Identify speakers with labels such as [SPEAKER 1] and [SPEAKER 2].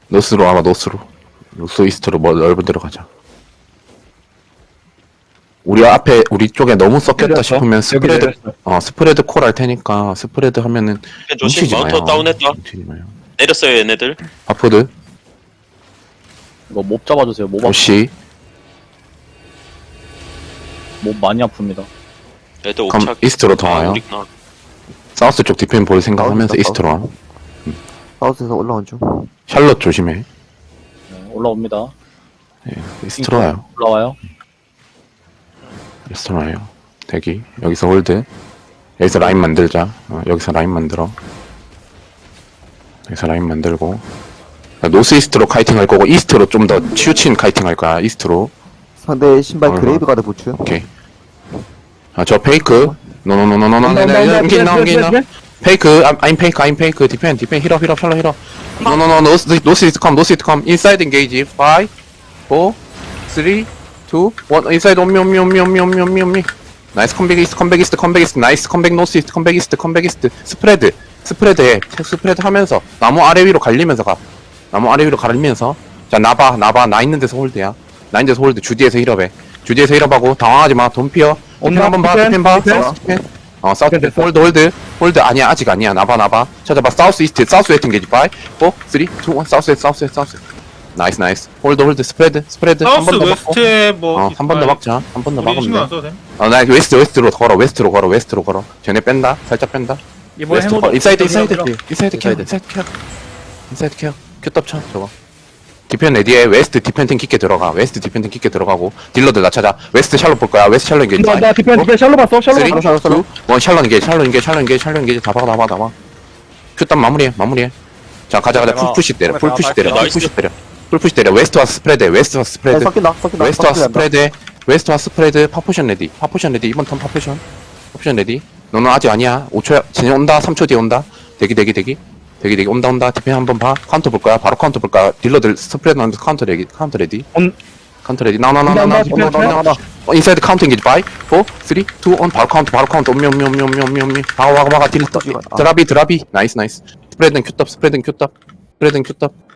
[SPEAKER 1] 노스로 아마 노스로 이스트로 뭐 넓은 데로 가자. 우리 앞에 우리 쪽에 너무 섞였다
[SPEAKER 2] 내렸어.
[SPEAKER 1] 싶으면
[SPEAKER 2] 여기
[SPEAKER 1] 스프레드
[SPEAKER 2] 내렸어.
[SPEAKER 1] 스프레드 콜 할 테니까 스프레드 하면은
[SPEAKER 3] 조심.
[SPEAKER 1] 뭉치지
[SPEAKER 3] 마운터
[SPEAKER 1] 마요.
[SPEAKER 3] 다운했다.
[SPEAKER 1] 뭉치지 마요.
[SPEAKER 3] 내렸어요 얘네들.
[SPEAKER 1] 바포드
[SPEAKER 4] 이거 몹 잡아주세요.
[SPEAKER 1] 오시
[SPEAKER 4] 몹 많이 아픕니다.
[SPEAKER 3] 얘들
[SPEAKER 1] 그럼
[SPEAKER 3] 옥착.
[SPEAKER 1] 이스트로 더 와요.
[SPEAKER 3] 우리 나.
[SPEAKER 1] 사우스 쪽 디펜 볼 생각하면서
[SPEAKER 5] 사우스,
[SPEAKER 1] 이스트로 와.
[SPEAKER 5] 사우스에서 올라온 중.
[SPEAKER 1] 샬롯 조심해.
[SPEAKER 4] 네, 올라옵니다.
[SPEAKER 1] 이스트로 와요.
[SPEAKER 4] 올라와요.
[SPEAKER 1] 이스트로 와요. 대기. 여기서 홀드. 여기서 라인 만들자. 여기서 라인 만들어. 여기서 라인 만들고. 노스 이스트로 카이팅 할 거고 이스트로 좀 더 치우친 카이팅 할 거야. 이스트로.
[SPEAKER 5] 상대 신발
[SPEAKER 1] 얼마?
[SPEAKER 5] 그레이브 가드 부츠.
[SPEAKER 1] 오케이. 저 페이크. 노노노노노노. 넘기나. 페이크. I'm 페이크. 디펜. 힐업. 샬롯 힐업. 노노노. 노스 이스트 컴. 인사이드 엔게이지. 5 4 3 2 1 인사이드 옴미. 나이스 컴백 이스트. 나이스 컴백 노스 이스트. 컴백 이스트. 스프레드 해. 스프레드 하면서 나무 아래 위로 갈리면서 가. 자 나 있는 데서 홀드야. 나 있는 데서 홀드. 주디에서 힐업해. 주디에서 힐업하고 당황하지 마. 돈 피어. 디펜
[SPEAKER 2] 온다,
[SPEAKER 1] 한번 봐.
[SPEAKER 2] 디펜,
[SPEAKER 1] 디펜 봐.
[SPEAKER 2] 디펜.
[SPEAKER 1] 사우스 디펜. 사우스
[SPEAKER 2] 디펜
[SPEAKER 1] 디펜.
[SPEAKER 2] 됐어.
[SPEAKER 1] 홀드 아니야. 아직 아니야. 나봐. 찾아봐. 사우스 웨스트 엔게이지. 5 4 3 2 1 사우스. 나이스. 홀드. 스프레드. 한
[SPEAKER 6] 사우스
[SPEAKER 1] 번 더 막고.
[SPEAKER 6] 웨스트에 뭐
[SPEAKER 1] 한 번 더 막자. 한 번 더
[SPEAKER 6] 우리 신경
[SPEAKER 1] 막으면
[SPEAKER 6] 안
[SPEAKER 1] 돼.
[SPEAKER 6] 써도 돼.
[SPEAKER 1] 나 웨스트로 걸어. 쟤네 뺀다. 살짝 뺀다.
[SPEAKER 2] 이번에
[SPEAKER 1] 웨스트
[SPEAKER 2] 해보자.
[SPEAKER 1] 인사이드 케어. 큐떡 쳐 저거. 디펜 레디에 웨스트 디펜팅 깊게 들어가고 딜러들 나 찾아. 웨스트 샬롯 볼 거야. 웨스트 샬롯 이게
[SPEAKER 2] 나 디펜 샬로 봤어. 샬로
[SPEAKER 1] 쓰리,
[SPEAKER 2] 봤어.
[SPEAKER 1] 투, 원 샬롯 이게 다 봐. 큐떡 마무리해. 자 가자. 풀푸시 때려. 풀푸시 때려. 웨스트 와스 스프레드.
[SPEAKER 5] 섞인다.
[SPEAKER 1] 웨스트 와스 스프레드. 파포션 레디. 이번 턴 파포션 레디. 너는 아직 아니야. 5초야. 진행 온다. 3초 뒤에 온다. 대기. 온다. 디펜 한번 봐. 카운터 볼 거야. 바로 카운터 볼 거야. 딜러들 스프레드 하면서 카운터 레디. 카운터 레디. 나.
[SPEAKER 2] 온다, 디펜
[SPEAKER 1] 인사이드 카운터 엔게이지. 5 4 3 2 1 바로 카운터. 옴미. 막아. 딜러. 드라비. 나이스. 스프레드는 큐떡.